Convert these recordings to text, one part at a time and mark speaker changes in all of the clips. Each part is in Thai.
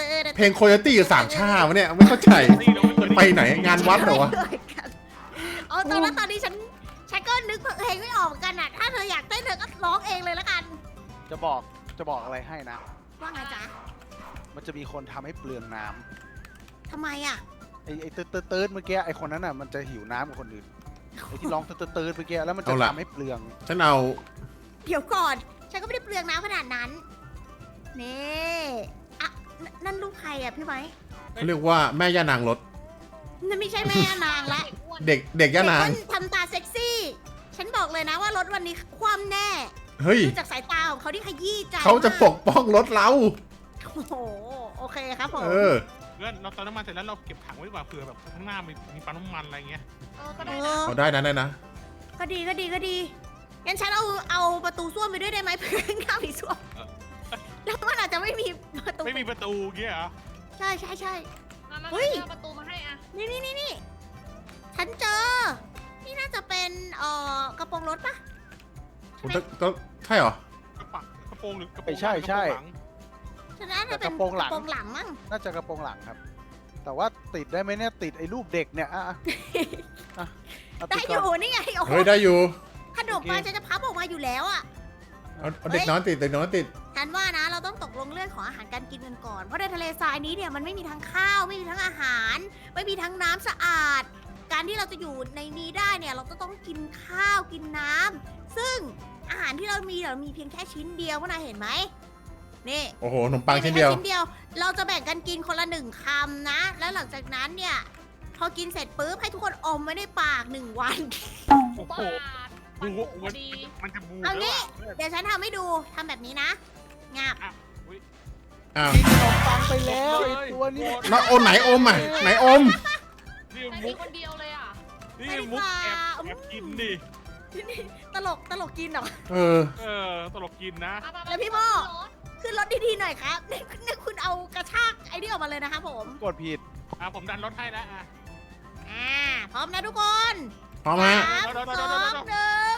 Speaker 1: เพลงโคโยตี้อยู่สามชาติวะเนี่ยไม่เข้าใจ
Speaker 2: นี่เราไม่
Speaker 1: ไปไหนงานวัดเหรอวะ
Speaker 3: เอาตอนนี้ฉันก็นึกเพลงไม่ออกเหมือนกันอ่ะ ถ้าเธออยากเต้นเธอก็ร้องเองเลยละกัน
Speaker 4: จะบอกอะไรให้นะ
Speaker 3: ว่าไงจ๊ะ
Speaker 4: มันจะมีคนทำให้เปลืองน้ำ
Speaker 3: ทำไมอ่ะ
Speaker 4: ไอ้ตืดเมื่อกี้ไอ้คนนั้นน่ะมันจะหิวน้ำกับคนอื่นไอ้ที่ร้องตืดเมื่อกี้แล้วมันจะ
Speaker 1: เอาล่ะ
Speaker 4: ทำให้เปลือง
Speaker 1: ฉันเอา
Speaker 3: เดี๋ยวก่อน ฉันก็ไม่ได้เปลืองน้ำขนาดนั้น นี่อ่ะนั่นลูกใครอ่ะพี่ไม้
Speaker 1: เขาเรียกว่าแม่ย่านางรถ
Speaker 3: นั่นไม่ใช่แม่นางละ
Speaker 1: เด็กย่านาง
Speaker 3: เด็กคนทำตาเซ็กซี่ ฉันบอกเลยนะว่ารถวันนี้คว่ำแน่
Speaker 1: เฮ้ย
Speaker 3: ดูจากสายตาของเขาที่ขยี้ใจ
Speaker 1: เขาจะป
Speaker 3: มาก
Speaker 1: ป้องรถเรา
Speaker 3: โอ้โห โอเคครับผม
Speaker 1: เออ
Speaker 2: เพื่อนเราเติมน้ำมันเสร็จแล้วเราเก็บถังไว้ดีกว่าเผื่อแบบข้างหน้ามีปั๊มน้ำมันอะไรเงี้ย
Speaker 5: ก็ได้
Speaker 3: เอ
Speaker 5: นะ
Speaker 3: อ
Speaker 1: เอาได้นะ
Speaker 3: ก็ดีงั้นฉันเอาประตูส้วมไปด้วยได้ไหมเพื่อนข้ามอีกส้วมแล้วมันอาจจะไม่มีประตู
Speaker 2: ไม่มีประตูเงี้ยเหรอ
Speaker 3: ใช่
Speaker 5: มา
Speaker 3: เฮ้ย
Speaker 5: เอาประตูมาให้อ่ะ
Speaker 3: นี่ฉันเจอ นี่น่าจะเป็นกระโปรงรถปะ
Speaker 1: ผมก็ใช่เหรอ
Speaker 2: กระโปรงหรือกระโปรง
Speaker 4: ใช่
Speaker 2: กระโปรงหลัง
Speaker 3: ฉันน่าจะเป็น
Speaker 4: กระโปรงหลัง
Speaker 3: กระโปรงหลังมั้ง
Speaker 4: น่าจะกระโปรงหลังครับ แต่ว่าติดได้ไหมเนี่ยติดไอ้รูปเด็กเนี่ยเอา
Speaker 3: ได้
Speaker 4: ติด
Speaker 3: อ
Speaker 4: ก่อน
Speaker 3: ยู่นี่ไงโอ้โห
Speaker 1: เฮ้ยได้อยู่
Speaker 3: ขนมปังฉันจะพับออกมาอยู่แล้วอ่ะ
Speaker 1: เอาเด็กน้อยติด
Speaker 3: ฉันว่านะเราต้องตกลงเรื่องของอาหารการกินกันก่อน เพราะในทะเลทรายนี้เนี่ยมันไม่มีทั้งข้าว ไม่มีทั้งอาหาร ไม่มีทั้งน้ำสะอาด การที่เราจะอยู่ในนี้ได้เนี่ยเราก็ต้องกินข้าวกินน้ำซึ่งอาหารที่เรามีเพียงแค่ชิ้นเดียวพวกนายเห็นไหมนี่
Speaker 1: โอ้โหขนมปังชิ้นเดียว
Speaker 3: มีแค่ชิ้นเดียว เราจะแบ่งกันกินคนละ1 คำนะ แล้วหลังจากนั้นเนี่ยพอกินเสร็จปุ๊บให้ทุกคนอมไว้ในปาก1 วัน
Speaker 2: โอ้โห
Speaker 5: บาทมัน
Speaker 2: บู
Speaker 5: ถูกพอดี
Speaker 2: มันจะบู
Speaker 3: เอา
Speaker 2: แล้ว
Speaker 3: งี้
Speaker 2: อะเพื่อน
Speaker 3: เดี๋ยวฉันทำให้ดูทำแบบนี้นะงับ
Speaker 1: อ้าว
Speaker 4: กินขนมปังไปแล้วไอ้ตัวนี้
Speaker 1: แล้วอมไหนอมอ่ะไหนอม
Speaker 2: นี่
Speaker 5: แต่
Speaker 2: มุ
Speaker 5: มี
Speaker 2: ก
Speaker 5: คนเดียวเลยอ่ะ
Speaker 2: นี่มุกแอบกินดิ
Speaker 3: ตลกกินเหรอ
Speaker 1: เออ
Speaker 2: ตลกกินนะ
Speaker 3: แล้วพี่โม่ ขึ้นรถดีๆหน่อยครับนี่คุณเอากระชากไอ้นี่ออกมาเลยนะคะผม
Speaker 4: กดผิด
Speaker 2: ผมดันรถให้แล้วอ่ะ
Speaker 3: พร้อมนะทุกคน
Speaker 1: พร้อมฮะ
Speaker 3: 3 2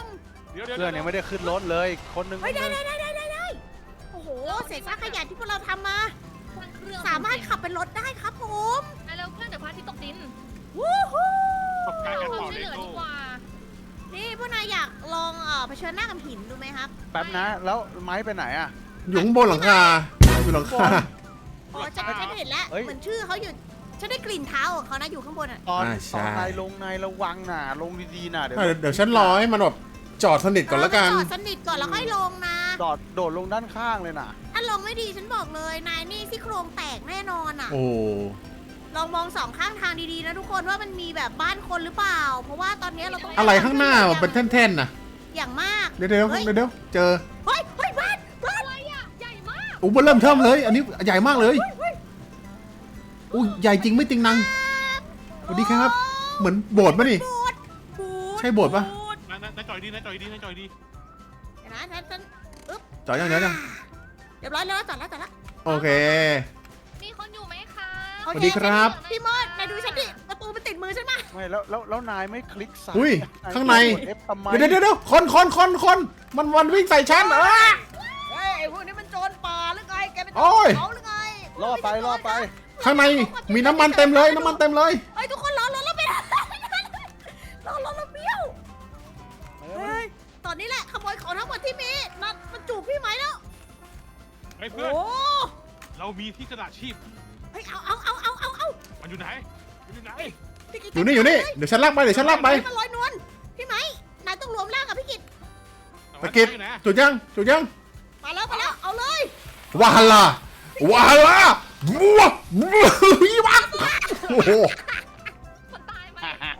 Speaker 3: 1
Speaker 2: เดี๋ยว
Speaker 4: เพื่อนยังไม่ได้ขึ้นรถเลยคนหนึง
Speaker 3: เฮ้ยได้โอ้โหเศษซากขยะที่พวกเราทำมา
Speaker 5: เครื่อง
Speaker 3: สามารถขับเป็นรถได้ครับผม
Speaker 5: ไปเร็วเพื่อนเดี๋ยวพระอาทิตย์ตกดิน
Speaker 3: วู้ฮู้
Speaker 2: ประสบการณ์การ
Speaker 5: ความ
Speaker 2: ต่อ
Speaker 5: ช่วย
Speaker 2: เล
Speaker 5: เหลือ
Speaker 2: โก้
Speaker 5: ดีกว่า
Speaker 3: นี่พวกนายอยากลองเผชิญหน้ากับหินดูไหมครับ
Speaker 4: แป๊บนะ แล้วไม้ไปไหนอ่ะ
Speaker 1: อยู่ข้างบนหลังคาอยู่หลังคา
Speaker 3: โอ้ฉันเห็นแล้ว
Speaker 4: เฮ้ย
Speaker 3: เหมือนชื่อเขาอยู่ฉันได้กลิ่นเท้าของเขานะอยู่ข้างบนอ่ะ
Speaker 4: ตอน
Speaker 1: ใช่
Speaker 4: นายลงนายระวังน่ะลงดีๆน่ะเดี๋ยว
Speaker 1: เดี๋ยวฉันรอให้มันแบบจอดสนิทก่อนแล้วกัน
Speaker 3: จอดสนิทก่อนแล้วค่อยลงนะ
Speaker 4: โดดลงด้านข้างเลยน่ะ
Speaker 3: ถ้าลงไม่ดีฉันบอกเลยนายนี่ซี่โครงแตกแน่นอนอ่ะ
Speaker 1: โอ้
Speaker 3: ลองมองสองข้างทางดีๆนะทุกคนว่ามันมีแบบบ้านคนหรือเปล่า เพราะว่าตอนนี้เราต้อง
Speaker 1: อะไรข้างหน้ามันเป็นแท่นๆนะ
Speaker 3: อย่างมาก
Speaker 1: เดี๋ยวเจอ
Speaker 3: เฮ้ยบ้าน
Speaker 5: อะไรอ่ะ ใหญ่มาก
Speaker 1: อู้เริ่มเทิมเลย อันนี้ใหญ่มากเลยอู้ใหญ่จริงไม่จริงนังสวัสดีครับ เหมือนโบสถ์ป่ะนี่ ใช่โบสถ์ปะ
Speaker 2: นายจอยดีนายจอยดีนายจอยดี
Speaker 3: เดี๋ยวนะฉัน
Speaker 1: จอดยัง
Speaker 3: เรียบร้อยแล้วจอดแล้ว
Speaker 1: โอเค
Speaker 5: มีคนอยู่ไหมคะ
Speaker 3: โอ
Speaker 1: สวั
Speaker 3: เค
Speaker 1: สดีครับ
Speaker 3: พี่มดนายดูฉันดิประตูมันติดมือฉันมา
Speaker 4: ไม่แล้วนายไม่คลิกซ้าย
Speaker 1: อุ้ย
Speaker 4: ย
Speaker 1: ข้างใน
Speaker 4: กด F ทำไม
Speaker 1: เดี๋ยวคนมันวิ่งใส่ฉัน
Speaker 3: เฮ้ยไอ้พวกนี้มันโจรป่าหรือไงแกเป็นโจ
Speaker 1: โอ้ย
Speaker 3: รเขาหรือไง
Speaker 4: ล่อไป
Speaker 1: ข้างในมีน้ำมันเต็มเลย
Speaker 3: เฮ้ยทุกคนรอแล้วเป็นรอแล้วเบี้ยว เฮ้ย ตอนนี้แหละขโมยของทั้งหมดที่มีมันจูบพี่ไหมแล้ว
Speaker 2: เฮ้ย
Speaker 3: โอ้
Speaker 2: เพื่อนเรามีที่กระดาษชีพ
Speaker 3: เฮ้ยเอา
Speaker 2: มันอยู่ไหนมันอยู่ไหน
Speaker 3: พี่กิต
Speaker 1: อยู่นี่ เดี๋ยวฉันลากไป
Speaker 3: มันลอยนวลพี่ไหมนายต้องรวมร่างกับพี่กิต
Speaker 1: ตะกิดจุดยัง
Speaker 3: มาแล้วเอาเลย
Speaker 1: วาลาบัวยี่วักโอ้โห
Speaker 5: คนตายไหม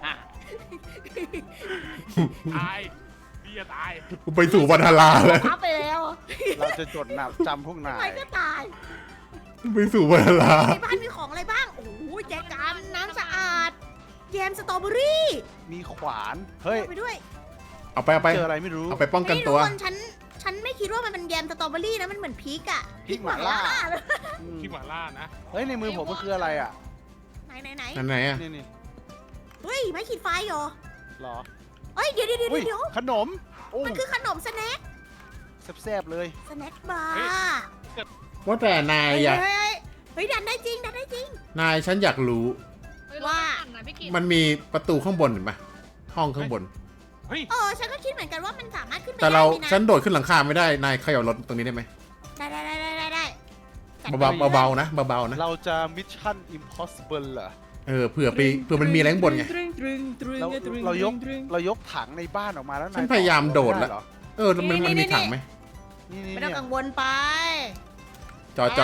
Speaker 2: ตายพี่จะตาย
Speaker 1: กูไปสู่วัฒลาแล้ว
Speaker 3: พับไปแล้ว
Speaker 4: เราจะจดหนับจำพวกนา
Speaker 3: ใคร
Speaker 4: ย
Speaker 3: ก็ตาย
Speaker 1: ไปสู่วัฒลา
Speaker 3: ในบ้านมีของอะไรบ้างโอ้โหแจกันน้ำสะอาดแยมสตรอเบอรี่
Speaker 4: มีขวาน เฮ้ย
Speaker 3: เอาไปด้วย
Speaker 1: เอาไป
Speaker 4: เจออะไรไม่รู้
Speaker 1: เอาไปป้องกัน
Speaker 3: เฮ้ย
Speaker 1: ตัว
Speaker 3: ทุกคนฉันไม่คิดว่ามันเป็นแยมสตรอเบอรี่นะมันเหมือนพริกอะ
Speaker 4: พริกหม่าล่า อืม
Speaker 2: ที่หมาล่านะ
Speaker 4: เฮ้ยในมือผมมันคืออะไรอ่ะ
Speaker 3: ไหน
Speaker 1: นั่นไหนอะ
Speaker 4: นี่
Speaker 3: เฮ้ยไม่ขีดไฟเหรอ
Speaker 4: หรอ
Speaker 3: เฮ้ยเดี๋ยว
Speaker 4: อุ้ย
Speaker 3: เดี๋ยว
Speaker 4: ขนมโอ้
Speaker 3: มันคือขนมสแน็ค
Speaker 4: แซ่บๆเลย
Speaker 3: สแน็คบาร์
Speaker 1: ว่าแต่นายอยาก
Speaker 3: เฮ้ยดันได้จริง
Speaker 1: นายฉันอยากรู้
Speaker 5: เฮ้ย
Speaker 3: ว่า
Speaker 5: รถมันปั่นนะพี่กิต
Speaker 1: มันมีประตูข้างบนเห็นปะห้องข้างบน
Speaker 2: เฮ้ย
Speaker 3: ฉันก็คิดเหมือนกันว่ามันสามารถขึ้นไป
Speaker 1: แต่เรา
Speaker 3: ได้นี่นะ
Speaker 1: ฉันโดดขึ้นหลังคาไม่ได้ นายเขย่ารถตรงนี้ได้ไหม
Speaker 3: ได้จัดไป
Speaker 1: เบาๆนะเบาๆนะ
Speaker 4: เราจะมิชชั่น impossible เหรอ
Speaker 1: เผื่อมันมีอะไรข้างบนไง
Speaker 4: เรายกถังในบ้านออกมาแล้ว
Speaker 1: ฉันพยายามโดดแล้ว
Speaker 4: ไเหรอ
Speaker 1: มันมีถังไหม
Speaker 4: นี่
Speaker 3: ไม่ต้องกังวลไป
Speaker 1: จอด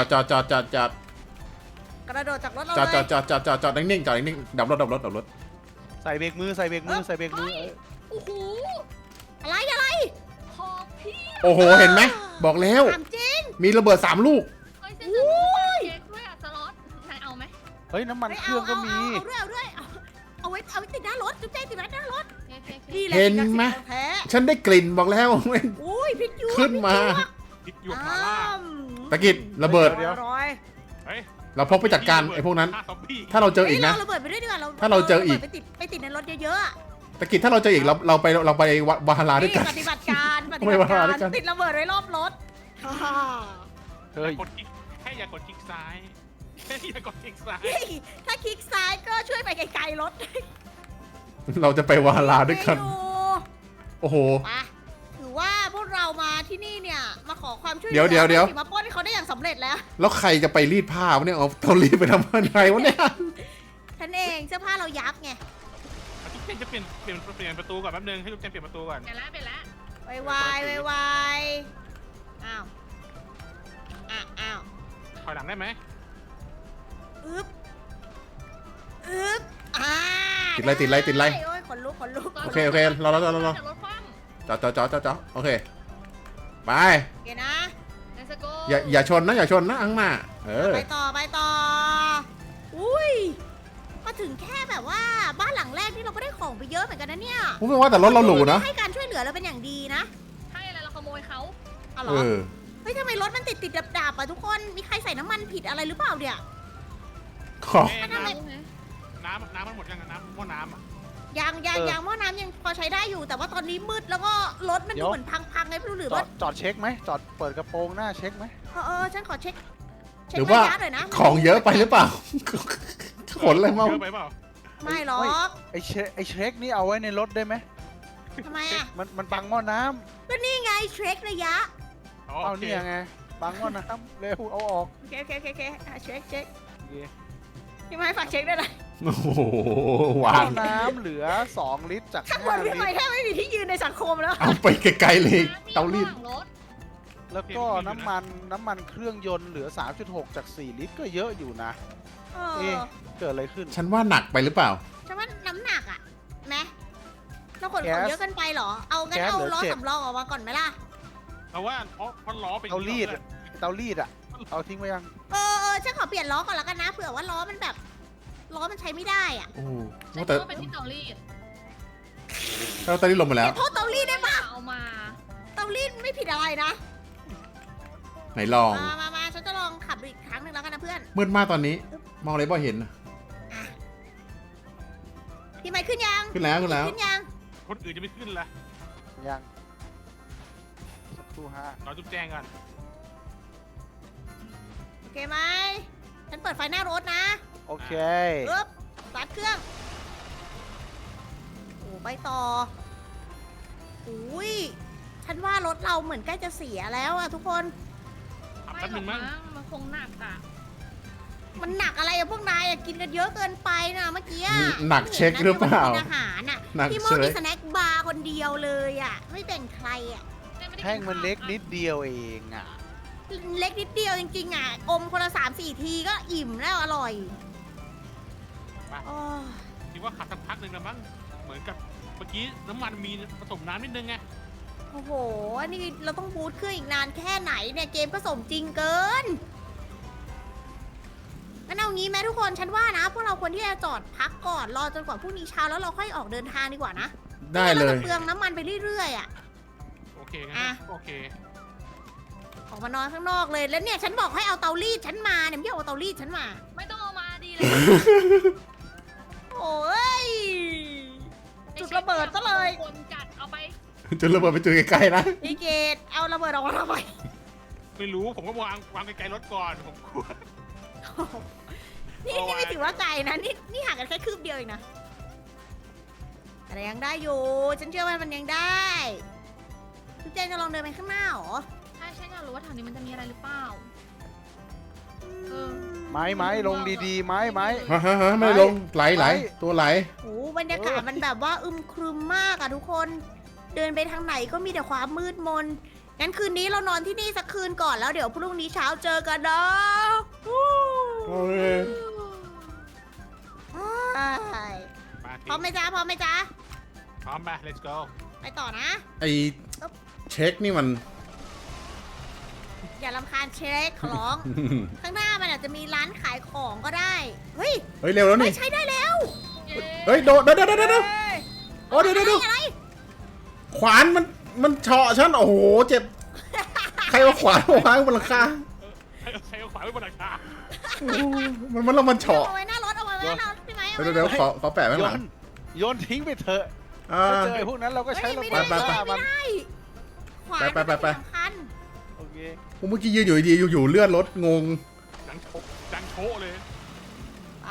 Speaker 3: กระโดดจากรถเรา
Speaker 1: จอดนิ่งๆดับรถ
Speaker 4: ใส่เบรกมือ
Speaker 5: โอ้โห
Speaker 3: อะไร
Speaker 5: ของพี่
Speaker 1: โอ้โหเห็นไหมบอกแล้ว
Speaker 3: ถามจริง
Speaker 1: มีระเบิด3 ลูก
Speaker 5: เฮ้ยเส้นจะรู้เค้กด้วยอ่ะสล็อตนายเอาไหม
Speaker 4: เฮ้ยน้ำมันเครื่องก็มี
Speaker 3: เอาด้วยเอาไว้ติดหน้ารถจุ๊บใจติดหน้ารถ
Speaker 5: เค้ก
Speaker 3: นี่แหละ
Speaker 1: เห็นไหม
Speaker 3: สิ่งศักดิ์สิทธิ์แท้
Speaker 1: ฉันได้กลิ่นบอกแล้ว
Speaker 3: อุ้ยพริกหยวก
Speaker 1: ขึ้นมา
Speaker 2: คิดหยวกหมาล่า
Speaker 1: ตะกิดระเบิด
Speaker 4: เดี๋ยว
Speaker 3: ร้อย
Speaker 2: เฮ้ย
Speaker 1: เราพกไปจัดการไอ้พวกนั้น
Speaker 2: ฆ่าซอมบี้
Speaker 1: ถ้าเราเจออีกนะ
Speaker 3: เราระเบิดไปด้วยดีกว่า
Speaker 1: ถ้าเราเจออีก
Speaker 3: ไปติดในรถเยอะๆอะ
Speaker 1: ตะกิดถ้าเราเจออีกเราไปวาฮาราด้วยกัน
Speaker 3: ปฏิบัติการ
Speaker 1: ไม่ว่าด้วยกัน
Speaker 3: ติดระเบิดไว้รอบรถ
Speaker 4: เฮ้ย
Speaker 2: กดคลิกแค่อย่ากดคลิกซ้ายแค่อย่ากดคลิกซ้าย
Speaker 3: เฮ้ยถ้าคลิกซ้ายก็ช่วยไปไกลๆรถ
Speaker 1: เราจะไปวาฮาราด้วยกัน
Speaker 3: ไม่อยู่
Speaker 1: โอ้โห
Speaker 3: ไปถือว่าพวกเรามาที่นี่เนี่ยมาขอความช่วยเหลื
Speaker 1: เดี๋ยว
Speaker 3: มาปล้นให้เขาได้อย่างสำเร็จแล้ว
Speaker 1: แล้วใครจะไปรีดผ้าวะเนี่ยเอารีดไปทำอะไรวะเนี่ย
Speaker 3: ฉันเองเสื้อผ้าเรายับไง
Speaker 2: ทุกเจนจะเปลี่ยนประตูก่อนแป๊บนึงให้ทุกเจนเปลี่ยนประตูก่อน
Speaker 5: เปลี่ยนแล้ว
Speaker 3: ไวอ้าวอ้าว
Speaker 2: ถอยหลังได้ไหม
Speaker 3: อึ๊บ
Speaker 1: ติดไร
Speaker 3: โอ้ยขนลุก
Speaker 1: โอเครอ
Speaker 5: จากรถคว่
Speaker 1: จอโอเคไป
Speaker 3: โอเคนะ
Speaker 5: ำ Let's go
Speaker 1: อย่าชนนะอังหน้า
Speaker 3: ไปต่ออุ้ยมาถึงแค่แบบว่าบ้านหลังแรกที่เราก็ได้ของไปเยอะเหมือนกันนะเนี่ย
Speaker 1: ผมไม่ว่าแต่รถเราหรูนะ
Speaker 3: ให้การช่วยเหลือเราเป็นอย่างดีนะ
Speaker 5: ให้อะไรเราขโมยเขา
Speaker 3: เอาเหร
Speaker 1: เอ
Speaker 3: อ
Speaker 1: อ
Speaker 3: เฮ้ยทำไมรถมันติดดับๆอ่ะทุกคนมีใครใส่น้ำมันผิดอะไรหรือเปล่าเนี่ย
Speaker 1: ขอ
Speaker 2: แม่
Speaker 3: ทำไม
Speaker 2: น้ำมันหมดยังน้ำหม้อน้ำอ่ะ
Speaker 3: ยางหม้อน้ำยังพอใช้ได้อยู่ แต่ว่าตอนนี้มืดแล้วก็รถมันดูเหมือนพังไงไม่รู้หรือ
Speaker 4: จอ
Speaker 3: ว่า
Speaker 4: ดจอดเช็คไหมจอดเปิดกระโปรงหน้าเช็คไหม
Speaker 3: ฉันขอเช็ค
Speaker 1: หรือว่า
Speaker 3: ระยะหน่อยนะ
Speaker 1: ของเยอะไปหรือเปล่าขนอะไรมา
Speaker 2: เยอะไปเปล่า
Speaker 3: ไม่หรอก
Speaker 4: ไอเช็คนี่เอาไว้ในรถได้ไหม
Speaker 3: ทำไมอ่ะ
Speaker 4: มันบังหม้อน้ำ
Speaker 3: ก็นี่ไงเทรคระยะ
Speaker 2: อ๋อ
Speaker 4: เอา
Speaker 2: โอเค
Speaker 4: เนี่ยไงบังหม้อน้ำเร็วเอาออก
Speaker 3: โอเคเช็ค
Speaker 4: โอเค
Speaker 3: พี่ไม้ฝากเช็คด้วยนะ
Speaker 1: โอ้โห
Speaker 4: ห
Speaker 1: วา
Speaker 4: ม้อง น้ำเหลือ2 ลิตรจาก
Speaker 3: ข้างบน
Speaker 4: 5
Speaker 3: พี่
Speaker 4: ลิ
Speaker 3: ไม้
Speaker 4: ตร
Speaker 3: แทบไม่มีที่ยืนในสังคมแล้ว
Speaker 1: เอาไปไกลๆเลยเตารีด
Speaker 5: น้ำมีข้งหลังรถ
Speaker 4: แล้วก็น้ำมันเครื่องยนต์เหลือ 3.6 จาก 4 ลิตรก็เยอะอยู่นะ
Speaker 3: เอ
Speaker 4: เอ๊ะ
Speaker 3: อ
Speaker 4: เกิดอะไรขึ้น
Speaker 1: ฉันว่าหนักไปหรือเปล่า
Speaker 3: ฉันว่าน้ำหนักอ่ะไหมเราขน
Speaker 4: แก๊
Speaker 3: ของ
Speaker 4: ส
Speaker 3: เยอะเกินไปเหรอ เอางั้น
Speaker 4: แก๊ส
Speaker 3: เอา
Speaker 4: เหลือ
Speaker 3: ล้อ
Speaker 4: 7
Speaker 3: สำรองออกมาก่อนไหมล่ะ
Speaker 2: แต่ว่าเพราะล้อเป็น
Speaker 4: เตารีด
Speaker 2: อะ
Speaker 4: เตารีดอ่ะ เอาทิ้งไว้ยัง
Speaker 3: เออฉันขอเปลี่ยนล้อก่อนแล้วกันนะ เผื่อว่าล้อมันแบบ ล้อมันใช้ไม่ได้อ่ะ
Speaker 1: โอ้โห
Speaker 5: ฉัน
Speaker 1: แต่
Speaker 5: ก็เป็นที่เตารีด
Speaker 1: เตารีดลงมาแล้ว
Speaker 3: โทษเตารีดได้ปะ
Speaker 5: เอามา
Speaker 3: เตารีดไม่ผิดอะไรนะ
Speaker 1: ไหนลอง
Speaker 3: มาฉันจะลองขับดูอีกครั้งหนึ่งแล้วกันนะเพื่อน
Speaker 1: มืดมากตอนนี้ มองอะไรบ่เห็น
Speaker 3: พี่ไม้ขึ้นยัง
Speaker 1: ขึ้นแล้วขึ้นแล้ว
Speaker 3: ขึ้นยัง
Speaker 2: คนอื่นจะไม่ขึ้นละ
Speaker 4: ยังสักครู่ฮะ
Speaker 2: รอจุ๊บแจงก่อน
Speaker 3: โอเคไหมฉันเปิดไฟหน้ารถนะ
Speaker 4: โอเค
Speaker 3: ปึ๊บสตาร์ทเครื่อง โอ้ไปต่ออุ้ยฉันว่ารถเราเหมือนใกล้จะเสียแล้วอะทุกคน
Speaker 2: ขับ
Speaker 5: ไม่
Speaker 2: แป๊บ
Speaker 5: หร
Speaker 2: นึ
Speaker 5: อก
Speaker 2: งมั้ง
Speaker 5: มั้งมันคงหนักอ่ะ
Speaker 3: มันหนักอะไรอะพวกนายอะกินกันเยอะเกินไปนะเมื่อกี้อะ
Speaker 1: หนักเช็คหรือเปล่า
Speaker 3: กินอาหารอะ
Speaker 1: หนัก
Speaker 3: พี่โม
Speaker 1: เช็
Speaker 3: มี
Speaker 1: ค
Speaker 3: สแน็คบาร์คนเดียวเลยอะไม่แบ่งใครอะ
Speaker 4: แท่งมันเล็กนิดเดียวเองอ่ะ
Speaker 3: เล็กนิดเดียวจริงๆอะอมคนละ3-4 ทีก็อิ่มแล้วอร่อยโอ้
Speaker 2: คิดว่าขับสักพักหนึ่งแล้วมั้งเหมือนกับเมื่อกี้น้ำมันมีผสมน้ำนิดนึงไง
Speaker 3: โอ้โหนี่เราต้องบูทเครื่องอีกนานแค่ไหนเนี่ยเกมก็สมจริงเกินงั้นเอางี้ไหมทุกคนฉันว่านะพวกเราควรที่จะจอดพักก่อนรอจนกว่าพรุ่งนี้เช้าแล้วเราค่อยออกเดินทางดีกว่านะ
Speaker 1: ได้เล
Speaker 3: รา
Speaker 1: ย
Speaker 3: จะเปลืองน้ำมันไปเรื่อยๆอ่ะ
Speaker 2: โอเคงั้น
Speaker 3: อ่ะ
Speaker 2: โอเค
Speaker 3: ออกมานอนข้างนอกเลยแล้วเนี่ยฉันบอกให้เอาเตารีดฉันมาเนี่ยไม่เอาเตารีดฉันมา
Speaker 5: ไม่ต้องเอามาดีเลย
Speaker 3: โอ้ย จุดระเบิดซะเลย
Speaker 5: คนจัดเอาไป
Speaker 1: จนระเบิดไปจุดใกล้ๆนะ
Speaker 3: พี่เกดเอาระเบิดออกมาทำไม
Speaker 2: ไม่รู้ผมก็วางไกลๆรถก่อนผมกลัว
Speaker 3: นี่ไม่ถือว่าไกลนะนี่ห่างกันแค่คืบเดียวเองนะแต่ยังได้อยู่ฉันเชื่อว่ามันยังได้ทุกเจนจะลองเดินไปข้างหน้าเหรอ
Speaker 5: ใช่ฉันอยากรู้ว่าแถวนี้มันจะมีอะไรหรือเปล่า เออ
Speaker 4: ไม้ลงดีๆ ไม้
Speaker 1: ฮะไม่ลงไหลตัวไหล
Speaker 3: โอ้บรรยากาศมันแบบว่าอึมครึมมากอะทุกคน เดินไปทางไหนก็มีแต่ความมืดมน งั้นคืนนี้เรานอนที่นี่สักคืนก่อนแล้วเดี๋ยวพรุ่งนี้เช้าเจอกันนะ
Speaker 1: โอเค
Speaker 3: ใช่
Speaker 2: มา
Speaker 3: พร้อมไหมจ๊ะพร้อมไหมจ๊ะ
Speaker 2: พร้อมไป let's go
Speaker 3: ไปต่อนะ
Speaker 1: ไอเช็คนี่มัน
Speaker 3: อย่ารำคาญเช็คขอร้อง ข้างหน้ามันอาจจะมีร้านขายของก็ได้ เฮ้ย
Speaker 1: เฮ้ยเร็วแล้ว
Speaker 3: ไม่
Speaker 1: นี่
Speaker 3: ใช้ได้แล้ว
Speaker 5: เย้
Speaker 1: เฮ้ยโดดเดี๋ยว
Speaker 3: เฮ้ย
Speaker 1: โอ้เดี๋ยว
Speaker 3: อะไร
Speaker 1: ขวานมันเฉาะฉันโอ้โหเจ็บ ใครเอาขวานมาวางบนหลังคา
Speaker 2: ใช้ขวาไว้บนหลังคา
Speaker 1: โอ้โหมันเฉาะ
Speaker 3: เอาไว้หน้ารถเอาไว้หน้ารถพี่ไหมเอา
Speaker 1: เดี๋ยว
Speaker 3: ไว้
Speaker 1: ขอแปะไว้
Speaker 4: โย
Speaker 1: ข้างหลัง
Speaker 4: นโยนทิ้งไปเถอะ
Speaker 1: อ่า
Speaker 4: ถ้าเจอไอ้พวกนั้นเราก็ใช้ระ
Speaker 3: ไม่
Speaker 4: เบิ
Speaker 3: ได้
Speaker 4: ด
Speaker 1: ไป
Speaker 4: ฆ่ามัน
Speaker 3: ไม่ได้ขวาน
Speaker 1: ไป
Speaker 3: มันสำคัญ
Speaker 4: โอเค
Speaker 1: ผมเมื่อกี้ยืนอยู่ดีๆอยู่ๆเลื่อนรถงง
Speaker 2: ดังโชะเลย
Speaker 3: ไป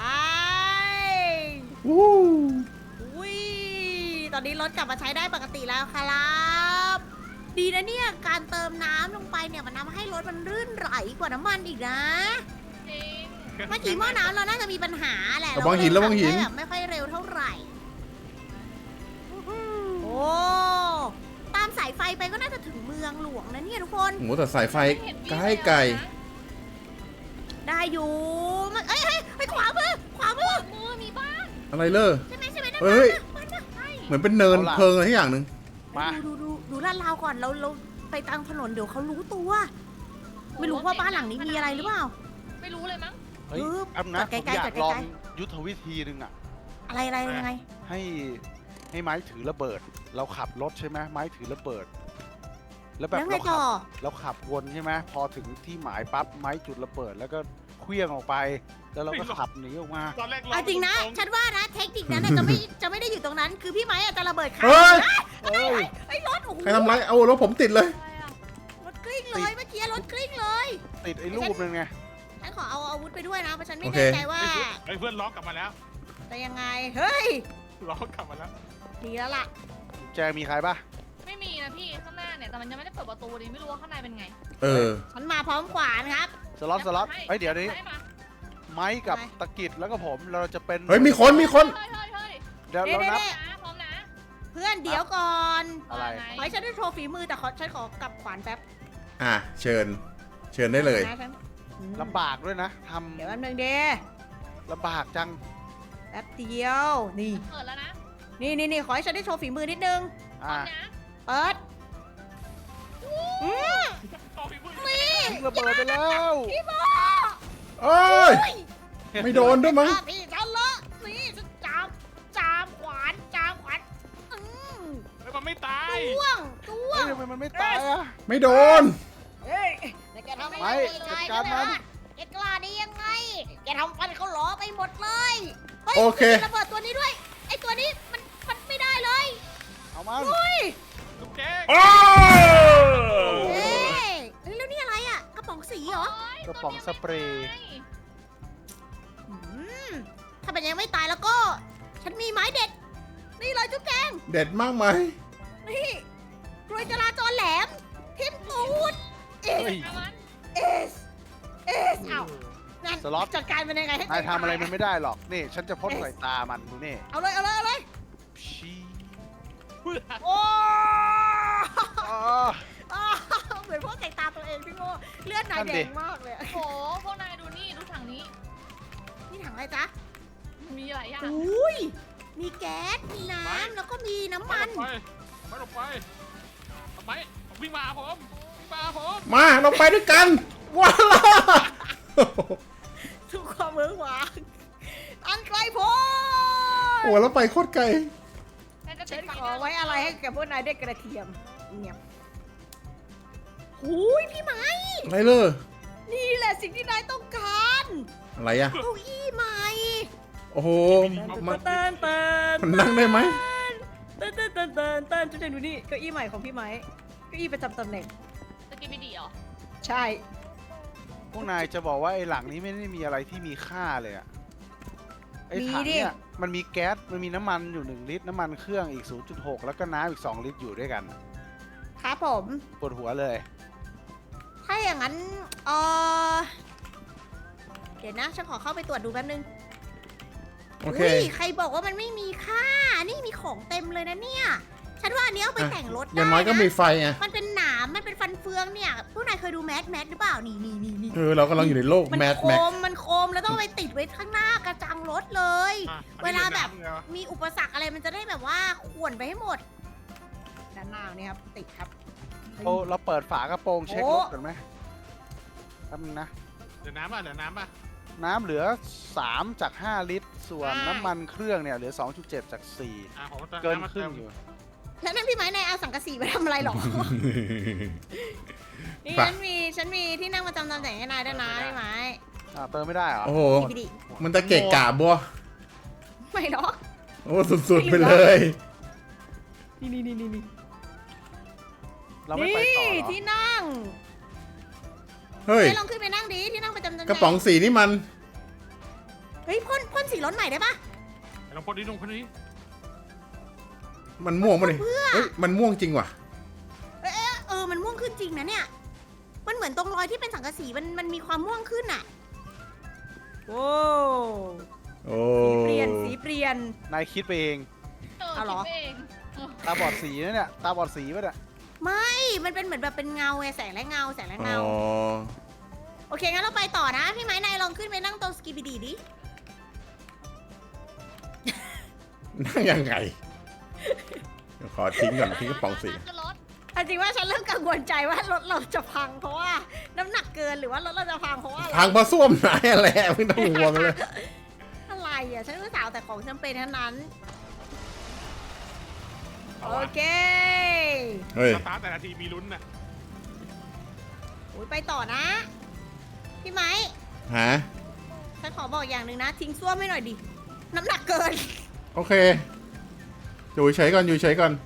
Speaker 1: วู้
Speaker 3: อุ้ยตอนนี้รถกลับมาใช้ได้ปกติแล้วครับ ดีนะเนี่ย การเติมน้ำลงไปเนี่ยมันทำให้รถมันรื่นไหลกว่าน้ำมันอีกนะ
Speaker 5: จริง
Speaker 3: เมื่อกี้หม้อน้ำเราน่าจะมีปัญหาแหละ
Speaker 1: ระวังหิน
Speaker 3: เรา
Speaker 1: ระวังหิน
Speaker 3: ได้แบบไม่ค่อยเร็วเท่าไหร่ โอ้ตามสายไฟไปก็น่าจะถึงเมืองหลวงนะเนี่ยทุกคน
Speaker 1: โหแต่สายไฟ
Speaker 5: ม่เห็นมี
Speaker 1: ใก
Speaker 5: เล
Speaker 1: ล้
Speaker 5: ย
Speaker 1: ไกล
Speaker 5: นะ
Speaker 3: ได้อยู่มันเอ้ยขวามือขวามือ
Speaker 5: มือมีบ้าน
Speaker 1: อะไรเลอ
Speaker 3: ใช่ไหมนั่น
Speaker 1: เฮ้ย
Speaker 3: มันน่ะ
Speaker 5: ใช่
Speaker 1: เหมือนเป็นเนินเพลิงอะไรที่อย่างหนึ่ง
Speaker 4: มา
Speaker 3: ดูลาดราวก่อนเราไปตามถนนเดี๋ยวเขารู้ตัว ไม่รู้ว่าบ้านหลังนี้มีอะไรหรือเปล่า
Speaker 5: ไม่รู้เลยมั้ง
Speaker 4: เฮ้ย
Speaker 3: ปึ๊บ
Speaker 4: อันนะ
Speaker 3: จอด
Speaker 4: ผ
Speaker 3: ไกล
Speaker 4: ม
Speaker 3: ๆ
Speaker 4: อยา
Speaker 3: จ
Speaker 4: ก
Speaker 3: อดไกลๆ
Speaker 4: ลองยุทธวิธีหนึ่งอ่ะ
Speaker 3: อะไรยังไง
Speaker 4: ให้ไม้ถือระเบิด เราขับรถใช่ไหมไม้ถือระเบิด แล้วแบบ
Speaker 3: แล้วไง
Speaker 4: เรา
Speaker 3: ต่
Speaker 4: ขั
Speaker 3: อ
Speaker 4: เราขับวนใช่ไหมพอถึงที่หมายปั๊บไม้จุดระเบิด แล้วก็เคลื่องออกไป แล้วเราก็ขับหนีออกมา
Speaker 2: ตอนแรก
Speaker 3: เอาจริงนะ ฉันว่านะเทคนิคนั้นน่ะจะไม่ได้อยู่ตรงนั้น คือพี่ไม้อาจจะระเบิดขา
Speaker 1: เฮ้ย
Speaker 4: เอ้ย
Speaker 3: ไอ้รถโอ้โห
Speaker 1: ใครทำไรเอารถผมติดเลย
Speaker 5: อะไรอะ
Speaker 3: รถกลิ้งเลยเมื่อกี้รถกลิ้งเลย
Speaker 4: ติดไอ้รูปนึงไง
Speaker 3: ฉันขอเอาอาวุธไปด้วยนะเพราะฉันไม่
Speaker 1: โอเค
Speaker 3: แน่ใจว่า
Speaker 2: เพื่อนล็อกกลับมาแล้ว
Speaker 3: จะยังไง เฮ้ย
Speaker 2: ล้อกลับมาแล้ว
Speaker 3: ดีแล้วล่ะ
Speaker 4: แจมีใครปะ
Speaker 5: ไม่มีนะพี่ข้างหน้าเนี่ยแต่มันยังไม่ได้เปิดประตูดิไม่รู้ว่าข้างในเป็นไง
Speaker 1: เออ
Speaker 3: ฉันมาพร้อมขวานครับ
Speaker 4: สล็อตเฮ้ยเดี๋ยวนี้
Speaker 5: ให้มา
Speaker 4: ไม้กับตะกิดแล้วก็ผมเราจะเป็น
Speaker 1: เฮ้ยมีคน
Speaker 5: เฮ้ย
Speaker 4: เดี๋ยวเรานับ
Speaker 5: นะพร้อมนะ
Speaker 3: เพื่อนเดี๋ยวก่อน
Speaker 4: อะไร
Speaker 5: ว่า
Speaker 3: ขอให้ฉันได้โชว์ฝีมือแต่ฉันขอกลับขวานแป๊บ
Speaker 1: อ่ะเชิญได้เลย
Speaker 3: นะฉันอืม
Speaker 4: ลำบากด้วยนะท
Speaker 3: เดี๋ยวแป๊บนึงเด
Speaker 4: ำลำบากจัง
Speaker 3: แป๊บเดียว นี่
Speaker 5: เปิดแล้วนะ
Speaker 3: นี่ขอให้ฉันได้โชว์ฝีมือนิดนึง
Speaker 5: พร้อ
Speaker 4: อ่ะ
Speaker 5: มนะ
Speaker 3: เปิดอืม
Speaker 2: ต่อพี่มือ
Speaker 3: นี่
Speaker 4: ทิ้งระเบิดไปแล้ว
Speaker 3: พี่โม
Speaker 1: เอ้ย ไม่โดนด้วยมั้ง
Speaker 3: พี่ฉันละนี่ฉันจามขวานอืม
Speaker 2: เฮ้ยมันไม่ตาย
Speaker 3: จ้วง
Speaker 4: เฮ้ยทำไมมันไม่ตายอ่ะ
Speaker 1: ไม่โดน
Speaker 3: เฮ้ยแกทำ
Speaker 4: ไม่
Speaker 3: ได้
Speaker 4: จัดการมัน
Speaker 3: แกกล้าได้ยังไง แกทำฟันเขาหลอไปหมดเลยฮ้ย
Speaker 1: โอเค
Speaker 3: มีระเบิดตัวนี้ด้วย ไอตัวนี้มันไม่ได้เลย
Speaker 4: เอามัน
Speaker 3: เฮ้ย
Speaker 2: ลูกแจ๊ก
Speaker 1: โอ้
Speaker 3: เฮ้ยแล้วนี่อะไรอ่ะ กระป๋องสีเหรอ
Speaker 4: กระป๋องสเปรย์
Speaker 3: อืมถ้ามันยังไม่ตายแล้วก็ ฉันมีไม้เด็ด นี่เลยจุ๊บแจง
Speaker 1: เด็ดมากไหม
Speaker 3: นี่กลวยจราจรแหลม ทิมปูดเอ
Speaker 4: เฮ้ย
Speaker 3: เอสเอ้านั่น
Speaker 4: สล็อต
Speaker 3: จัดการมันยังไงให้
Speaker 4: นายทำอะไรมันไม่ได้หรอก นี่ ฉันจะพ่นใส่ตามันดูนี่
Speaker 3: เอาเลย
Speaker 4: ชี้
Speaker 3: โอ้
Speaker 4: อ๋อ
Speaker 3: เหมือนพวกใส่ตาตัวเองพี่โง่เลือดนาย
Speaker 4: นั่น
Speaker 3: แด
Speaker 4: ดิ
Speaker 3: งมากเลยอะ
Speaker 5: โอ้โหพวกนายดูนี่ดูถังนี้
Speaker 3: นี่ถังอะไรจ๊ะ
Speaker 5: มีหลายอย่าง
Speaker 3: อุ้ย มีแก๊ส มีน้ำ แล้วก็มีน้ำมัน
Speaker 2: ไม่ลงไปทำไมวิ่งมาหาผมวิ่งมาหาผม
Speaker 1: มาเราไปด้วยกันว้าว
Speaker 3: ทุกความเมืองหวางอันไกลโพ้
Speaker 1: โอ้เราไปโคตรไกล
Speaker 5: ฉันจะ
Speaker 3: ฉั
Speaker 5: ติ
Speaker 3: น
Speaker 5: ดไฟ
Speaker 3: ขอไว้อะไรให้แกพวกนายได้กระเทียมเงียบหูยพี่ไม้
Speaker 1: อะไรเลย
Speaker 3: นี่แหละสิ่งที่นายต้องการ
Speaker 1: อะไรอะ
Speaker 3: เก้าอี้ใหม่
Speaker 1: โอ้โหมัน
Speaker 3: เติน
Speaker 1: มันนั่งได้ไหม
Speaker 3: เตินจุดเด่นดูนี่เก้าอี้ใหม่ของพี่ไม้เก้าอี้ประจำตำแหน่ง
Speaker 5: สกิปปี้ดีเหรอ
Speaker 3: ใช่
Speaker 4: พวกนายจะบอกว่าไอ้หลังนี้ไม่ได้มีอะไรที่มีค่าเลยอะไอ้ถังเนี่ยมันมีแก๊ส มันมีน้ำมันอยู่1 ลิตร น้ำมันเครื่องอีก 0.6 แล้วก็น้ำอีก2 ลิตรอยู่ด้วยกัน
Speaker 3: ครับผม
Speaker 4: ปวดหัวเลย
Speaker 3: ถ้าอย่างนั้นเดี๋ยวนะฉันขอเข้าไปตรวจดูแป๊บนึง
Speaker 1: โอเค
Speaker 3: ยใครบอกว่ามันไม่มีค่า นี่มีของเต็มเลยนะเนี่ย ฉันว่าอันนี้เอาไปแต่งรถ
Speaker 1: อ
Speaker 3: ได้
Speaker 1: ย่างน้อยก็มี
Speaker 3: นะ
Speaker 1: ไฟไง
Speaker 3: มันเป็นหนาม มันเป็นฟันเฟืองเนี่ยพวกนายเคยดูแมสหรือเปล่า นี่
Speaker 1: เออเรากำลังอยู่ในโลก
Speaker 3: มัน
Speaker 1: แมท
Speaker 3: โค
Speaker 1: แม็ก
Speaker 3: ม มันโคมแล้วต้องไปติดไว้ข้างหน้ากระจังรถเลย เวลาแบบ มีอุปสรรคอะไรมันจะได้แบบว่าข่วนไปให้หมด ด้านหน้าเนี่ยครับ ติดครับ
Speaker 4: เราเปิดฝากระโปรงเช็ค
Speaker 3: โอ้
Speaker 4: รถกันไหมแป๊บนึงนะ
Speaker 2: เหลือน้ำป่ะเหลือน้ำป่ะ
Speaker 4: น้ำเหลือ 3 จาก 5 ลิตร ส่วนน้ำมันเครื่องเนี่ยเหลือ 2.7 จาก
Speaker 2: ผม
Speaker 4: 4 เกินครึ่งอยู่
Speaker 3: แล้วนั่นพี่ไม้นายเอาสังกะสีไปทำอะไรหรอ นี่
Speaker 1: ไป
Speaker 3: ฉันมีที่นั่งประจำตำแหน่งให้นายด้วยนะพี่ไม้
Speaker 4: เติมไม่ได้เหรอ
Speaker 1: โอ้โห
Speaker 3: พี่ดิ
Speaker 1: มันจะเกะกะบัว
Speaker 3: ไม่หรอก
Speaker 1: โอ้สุดๆไปเลย
Speaker 3: นี่
Speaker 4: เราไม่ไปต่อเหรอ
Speaker 3: ที่นั่ง
Speaker 1: เฮ้ย
Speaker 3: ให้ลองขึ้นไปนั่งดิที่นั่งประจำตำแหน่ง
Speaker 1: กระป๋องสีนี่มัน
Speaker 3: เฮ้ยพ่นสีรถใหม่ได้ปะ
Speaker 2: ลองพอดีลงพอดี
Speaker 1: มันม่วงมาเลยเฮ้ย มันม่วงจริงว่ะ
Speaker 3: มันม่วงขึ้นจริงนะเนี่ย มันเหมือนตรงรอยที่เป็นสังกะสีมันมีความม่วงขึ้นอ่ะโอ้
Speaker 1: โอ้
Speaker 3: สีเปลี่ยน
Speaker 4: นายคิดไปเอง
Speaker 3: เอาเหรอ
Speaker 5: คิดเองเออ
Speaker 4: ตาบอดสีนะเนี่ย ตาบอดสีป่ะเนี่ย
Speaker 3: ไม่ มันเป็นเหมือนแบบเป็นเงาไงแสงและเงา
Speaker 1: อ๋อ
Speaker 3: โอเคงั้นเราไปต่อนะ พี่ไม้นายลองขึ้นไปนั่งตรงสกีบีดีดิ
Speaker 1: นั่งยังไงเดี๋ยวขอทิ้งก่อนทิ้งกระป๋องสี
Speaker 5: ขึ้นรถ
Speaker 3: จริงว่าฉันเริ่มกังวลใจว่ารถเราจะพังเพราะว่าน้ำหนักเกินหรือว่ารถเราจะพังเพราะว่าอะไร
Speaker 1: พังเพราะส้วมไหนอะไรไม่ต้องห่วงเลย
Speaker 3: อะไรอ่ะ ฉันก็สาวแต่ของจำเป็นทั้งนั้น โอเค
Speaker 1: เฮ้ย
Speaker 2: สตาร์ทแต่ละทีมีลุ้นนะ
Speaker 3: อุ๊ยไปต่อนะ พี่ไม้
Speaker 1: ฮะ
Speaker 3: ฉันขอบอกอย่างหนึ่งนะ ทิ้งส้วมให้หน่อยดิ น้ำหนักเกิน
Speaker 1: โอเค อยู่เฉยก่อน อยู่เฉยก่อน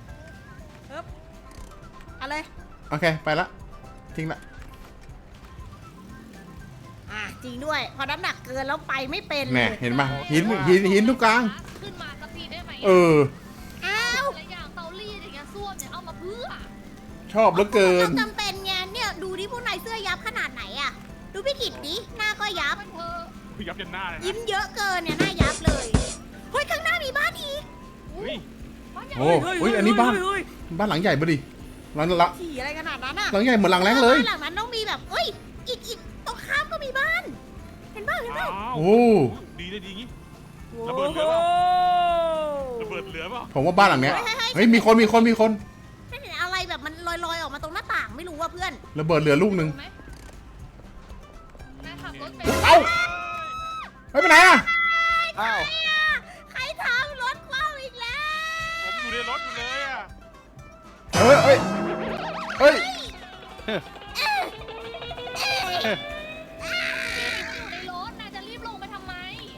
Speaker 3: เอาเลย
Speaker 1: โอเค ไปละ ทิ้งละ
Speaker 3: อ่ะริงด้วย พอน้ำหนักเกินแล้วไปไม่เป็นเล
Speaker 1: แน่
Speaker 3: ย
Speaker 1: เห็นปะหินทุกกลาง
Speaker 5: ขึ้นมาสักทีได้ไหม
Speaker 1: เออ
Speaker 3: อ้าว
Speaker 5: อะไรอย่างเตารีดอย่างเงี้ยส้วมเนี่ยเอามาเพื่อ
Speaker 1: ชอบเหลือเกิน
Speaker 3: ต้องจำเป็นไงเนี่ยดูดิพวกนายเสื้อยับขนาดไหนอะดูพี่กิตดิหน้าก็ยับ
Speaker 5: มันเธอ
Speaker 2: ยับยันหน้าเลยนะ
Speaker 3: ยิ้มเยอะเกินเนี่ยหน้ายับเลยเฮ้ยข้างหน้ามีบ้านอีก
Speaker 2: เฮ้ย
Speaker 5: บ้านใหญ่
Speaker 1: โอ้อุ้ยอันนี้บ้าน บ้านหลังใหญ่ปะดิหลัง
Speaker 3: ถี่อะไรขนาดนั้นอะ
Speaker 1: หลังใหญ่เหมือนหลังแรงเลย
Speaker 3: บ้านหลังนั้นต้องมีแบบเอ้ยอีกตรงข้ามก็มีบ้าน เห็นบ้านเห็นบ้าน
Speaker 2: อ้าว
Speaker 1: โอ้
Speaker 2: ดีเลยดีงี้ ระเบิดเหลือเปล่า ระเบิดเหลือเปล่า
Speaker 1: ผมว่าบ้านหลังเนี้ย เฮ้ยมีคน
Speaker 3: ฉันเห็นอะไรแบบมันลอยๆออกมาตรงหน้าต่างไม่รู้ว่าเพื่อน
Speaker 1: ระเบิดเหลือลูกหนึ่ง
Speaker 5: รู้ไหมนายขับรถไป
Speaker 1: เอ้าเฮ้ยไปไหนอะ
Speaker 4: อ้าว
Speaker 3: ใครทำรถคว่ำอีกแล้ว
Speaker 2: ผมอยู่ในรถอยู่เลยอ่ะ
Speaker 1: เฮ้ย
Speaker 5: ในรถนายจะรีบลงไปทำไม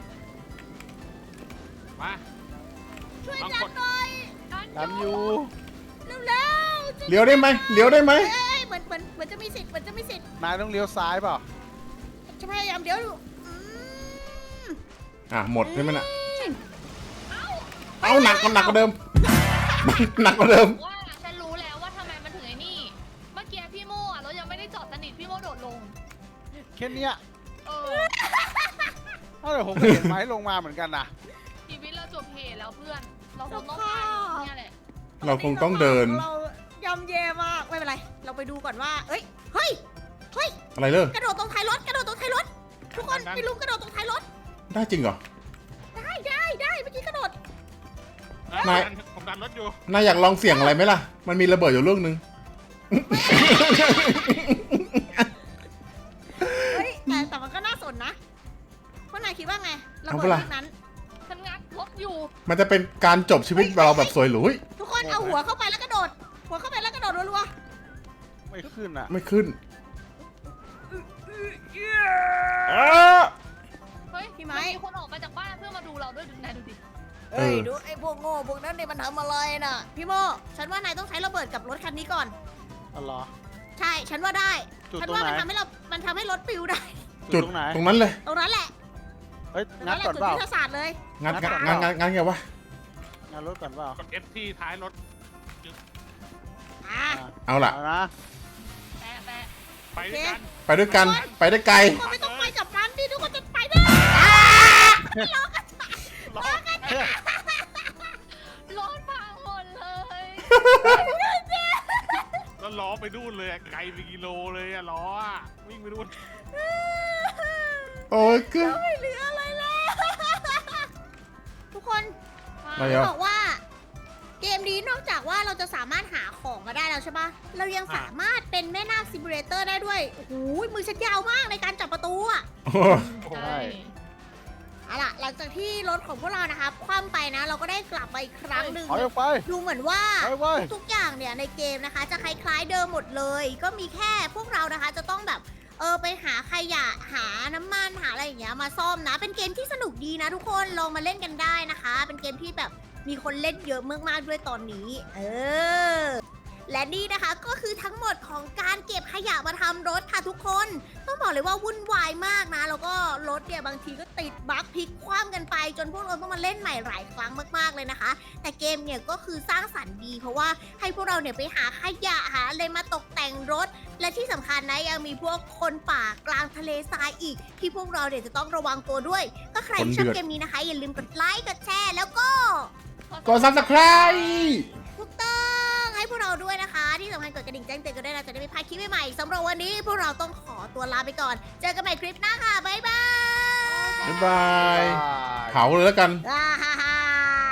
Speaker 2: มา
Speaker 3: ช่วย
Speaker 2: บาง
Speaker 3: จั
Speaker 2: ค
Speaker 3: บ
Speaker 2: น
Speaker 3: หน่อย
Speaker 4: ดันอยู่
Speaker 3: เร็วๆ
Speaker 1: เลี้ยวได้ไหมเลี้ยวได้ไหม
Speaker 3: เอ้ยเหมือนจะมีสิทธิ์เหมือนจะมีสิทธิ์
Speaker 4: นายต้องเลี้ยวซ้ายเปล่า
Speaker 3: จะพยายามเดี๋ยวดูม
Speaker 1: อ่ะหมดใช่ไหมน่ะเอาหนักกว่าเดิม หนักกว่าเดิม
Speaker 5: ว่าฉันรู้แล้วว่าทำไมมันถึงไอ้นี่ เมื่อกี้พี่โม่อะรถยังไม่ได้จอดสนิทพี่โม่โดดลง
Speaker 4: แค่เนี้ย
Speaker 5: เออ
Speaker 4: เอ้าแต่ผมก็เห็นไม้ลงมาเหมือนกันนะ
Speaker 5: ชีวิตเราจบเหตุแล้วเพื่อน เราคงต้องไปเนี่ยแหละ
Speaker 1: เราคงต้องเดิน
Speaker 3: เรายำแย่มากไม่เป็นไร เราไปดูก่อนว่าเอ้ยเฮ้ย
Speaker 1: อะไรเลย
Speaker 3: กระโดดตรงท้ายรถทุกคนไปลุมกระโดดตรงท้ายรถ
Speaker 1: ได้จริงเหรอ
Speaker 3: ได้เมื่อกี้กระโดด
Speaker 1: นาย
Speaker 2: ผมดันรถอยู่
Speaker 1: นายอยากลองเสี่ยงอะไรไหมล่ะ มันมีระเบิดอยู่ลูกหนึ่ง
Speaker 3: เฮ้ยแต่มันก็น่าสนนะพวกนายคิดว่าไงระ
Speaker 1: เอา
Speaker 3: เบิ
Speaker 1: ปะ
Speaker 3: ด
Speaker 1: ล่ะ
Speaker 3: ลูกนั้น
Speaker 5: ฉันงัดรถอยู่
Speaker 1: มันจะเป็นการจบชีวิตเราแบบสวยหรูเฮ้ย
Speaker 3: ทุกคนเอาหัวเข้าไปแล้วกระโดด หัวเข้าไปแล้วกระโดดรัว
Speaker 4: ไม่ขึ้นอ่ะ
Speaker 1: ไม่ขึ้น
Speaker 5: เฮ้ย
Speaker 3: พี่ไม้
Speaker 5: นมีคนออกมาจากบ้านเพื่อมาดูเราด้วยดูนายดูดิ
Speaker 3: ๆเอ้ยดูไอ้พวกโง่พวกนั้นเนี่ยมันทำอะไรน่ะ พี่โมฉันว่านายต้องใช้ระเบิดกับรถคันนี้ก่อน
Speaker 4: อ๋อเหรอ
Speaker 3: ใช่ฉันว่าได้
Speaker 4: จุด
Speaker 3: ฉัน
Speaker 4: ตรง
Speaker 3: ว่า
Speaker 4: ไหน
Speaker 3: มันทำให้รถปิวได้
Speaker 1: จุด
Speaker 4: ตรงไหน
Speaker 1: ตรงนั้นเลย
Speaker 3: ตรงนั้นแหละ
Speaker 4: เฮ้ย
Speaker 3: ตรง
Speaker 4: งั
Speaker 3: นั้
Speaker 4: ด
Speaker 3: นแหละ
Speaker 4: ก่อน
Speaker 3: จุด
Speaker 4: เปล่า
Speaker 3: ยุทธศาสตร์เลย
Speaker 1: งัดไงวะ
Speaker 4: งัดรถก่อนเปล่าก
Speaker 2: ด F ที่ท้ายรถ
Speaker 3: อ่ะ
Speaker 1: เอาล่ะ
Speaker 4: เอานะ
Speaker 5: แปะแปะ
Speaker 2: ไปด้วยกัน
Speaker 1: ไปด้วยกัน ไปได้ไกล
Speaker 3: ทุกคนไม่ต้องไปกับมันดิทุกคนจะไปได้
Speaker 2: ล้อ
Speaker 5: รถพังหมดเลย
Speaker 2: แล้วล้อไปนู่นเลยอะไกลไปกิโลเลยอะล้ออะวิ่งไปนู่น
Speaker 1: โอ้ยคือ
Speaker 3: ไม่เหลืออะไรแล้วทุกคน
Speaker 1: อะไรอ่ะ
Speaker 3: บอกว่า เกมนี้นอกจากว่าเราจะสามารถหาของมาได้แล้วใช่ปะเรายังสามารถเป็นแม่นาคซิมูเลเตอร์ได้ด้วยโอ้โหมือฉันยาวมากในการจับประตูอะ
Speaker 5: ใช่
Speaker 3: เอาล่ะหลังจากที่รถของพวกเรานะคะคว่ำไปนะ เราก็ได้กลับมาอีกครั้งหนึ่ง
Speaker 4: ถอยออกไป
Speaker 3: ดูเหมือนว่า
Speaker 4: ถอยไป
Speaker 3: ทุกอย่างเนี่ยในเกมนะคะ จะคล้ายๆเดิมหมดเลย ก็มีแค่พวกเรานะคะจะต้องแบบไปหาขยะหาน้ำมันหาอะไรอย่างเงี้ยมาซ่อมนะ เป็นเกมที่สนุกดีนะทุกคนลองมาเล่นกันได้นะคะ เป็นเกมที่แบบมีคนเล่นเยอะมากๆด้วยตอนนี้ และนี่นะคะก็คือทั้งหมดของการเก็บขยะมาทำรถค่ะทุกคน ต้องบอกเลยว่าวุ่นวายมากนะ แล้วก็รถเนี่ยบางทีก็ติดบั๊กพลิกคว่ำกันไป จนพวกเราต้องมาเล่นใหม่หลายครั้งมากๆเลยนะคะ แต่เกมเนี่ยก็คือสร้างสรรค์ดี เพราะว่าให้พวกเราเนี่ยไปหาขยะหาอะไรมาตกแต่งรถ และที่สำคัญนะยังมีพวกคนป่ากลางทะเลทรายอีก ที่พวกเราเนี่ยจะต้องระวังตัวด้วย ก็ใครที่ชอบเกมนี้นะคะ อย่าลืมกดไลค์กดแชร์แล้วก็
Speaker 1: กด subscribe
Speaker 3: ถูกต้องให้พวกเราด้วยนะคะ ที่สำคัญกดกระดิ่งแจ้งเตือนกันด้วยนะจะได้ไม่พลาดคลิปใหม่ๆสำหรับวันนี้พวกเราต้องขอตัวลาไปก่อน เจอกันใหม่คลิปหน้าค่ะ บ๊ายบาย
Speaker 1: บ๊ายบายเผาเลยแล้วกัน
Speaker 3: อ่าฮ่าฮ่า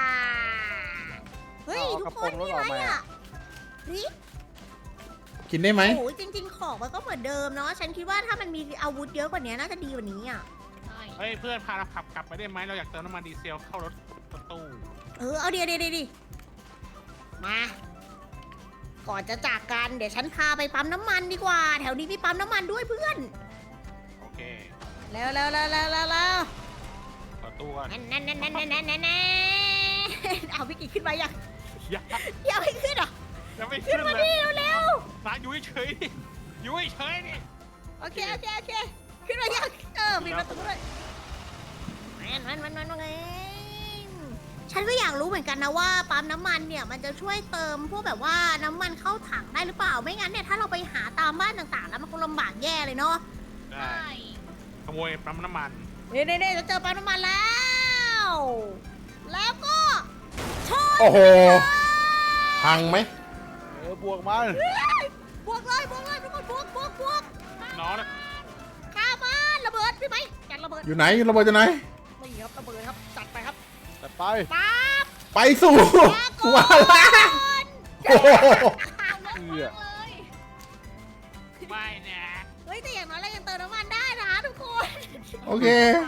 Speaker 3: เฮ้ย
Speaker 4: เอา
Speaker 3: ทุ
Speaker 4: กระ
Speaker 3: ก
Speaker 4: โป
Speaker 3: ค
Speaker 4: ร
Speaker 3: น
Speaker 4: งรถ
Speaker 3: นี่
Speaker 4: อ
Speaker 3: อะ
Speaker 4: อก
Speaker 3: ไร
Speaker 4: มา
Speaker 3: อ่ะนี่
Speaker 1: กินได้ไหม
Speaker 3: โอ้ยจริง ๆ ของมันก็เหมือนเดิมเนาะฉันคิดว่าถ้ามันมีอาวุธเยอะกว่านี้น่าจะดีกว่านี้อ่ะ
Speaker 5: ใช่
Speaker 2: เฮ้ยเพื่อนพาเราขับกลับไปได้ไหมเราอยากเติมน้ำมันดีเซลเข้ารถตู้
Speaker 3: เอาเดี๋ยวมาก่อนจะจากกันเดี๋ยวฉันพาไปปั๊มน้ำมันดีกว่า แถวนี้มีปั๊มน้ำมันด้วยเพื่อน
Speaker 2: โอเค
Speaker 3: เร็ว
Speaker 2: ต่อตู้ก่อน
Speaker 3: นั่นเอาพี่กิ๊กขึ้นมายัง
Speaker 2: อย่า
Speaker 3: ยังไม่ขึ้นเหรอ
Speaker 2: ยังไม่
Speaker 3: ขึ้
Speaker 2: ขึ้
Speaker 3: น
Speaker 2: น
Speaker 3: มา
Speaker 2: เลย
Speaker 3: ดิเร็ว
Speaker 2: ร้านอยู่เฉยๆดิอยู่เฉยๆดิ
Speaker 3: โอเคขึ้นมายังปิดประตูด้วยมันฉันก็อยากรู้เหมือนกันนะว่าปั๊มน้ำมันเนี่ยมันจะช่วยเติมพวกแบบว่าน้ำมันเข้าถังได้หรือเปล่าไม่งั้นเนี่ยถ้าเราไปหาตามบ้านต่างๆ แล้วมันคงลำบากแย่เลยเนาะ
Speaker 2: ได้
Speaker 5: ใช่
Speaker 2: ขโมยปั๊มน้ำมัน
Speaker 3: นี่จะเจอปั๊มน้ำมันแล้ว แล้วก็ชน
Speaker 1: โอ้โห พังไหม
Speaker 4: บวกมัน
Speaker 3: บวกเลยทุกคนบวก
Speaker 2: น้องนะ
Speaker 3: ข้ามันระเบิดพี่ไหมจัดระเบิด
Speaker 1: อยู่ไหนระเบิดอยู่ไหน
Speaker 3: นี่ครับระเบิดครับจัดไปครับ
Speaker 4: แต่ไป
Speaker 3: ปั๊บ
Speaker 1: ไปสู่วาระโอ้โห
Speaker 4: เอื้อ
Speaker 5: เลย
Speaker 2: ไม่นะ
Speaker 3: เฮ้ยแต่อย่างน้อยเรายังเติมน้ำมันได้นะทุกคน
Speaker 1: โอเค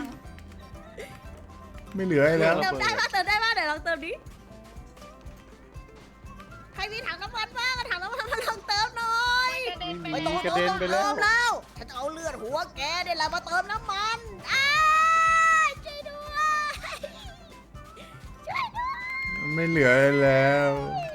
Speaker 1: ไม่เหลืออะไรแล้ว
Speaker 3: เติมได้ป่ะเดี๋ยวลองเติมดิใครมีถังน้ำมันบ้างถังน้ำมันมาลองเติมหน่อย
Speaker 5: กระเด็นไป
Speaker 4: ไม่
Speaker 5: แล้
Speaker 4: ต้
Speaker 5: ว
Speaker 4: อง กระเด็นไปแล้ว
Speaker 3: เติมแล้วฉันจะเอาเลือดหัวแกเนี่ยแหละมาเติมน้ำมันช่วยด้วยช่วยด้วย
Speaker 1: ไม่เหลืออะไรแล้ว
Speaker 3: เ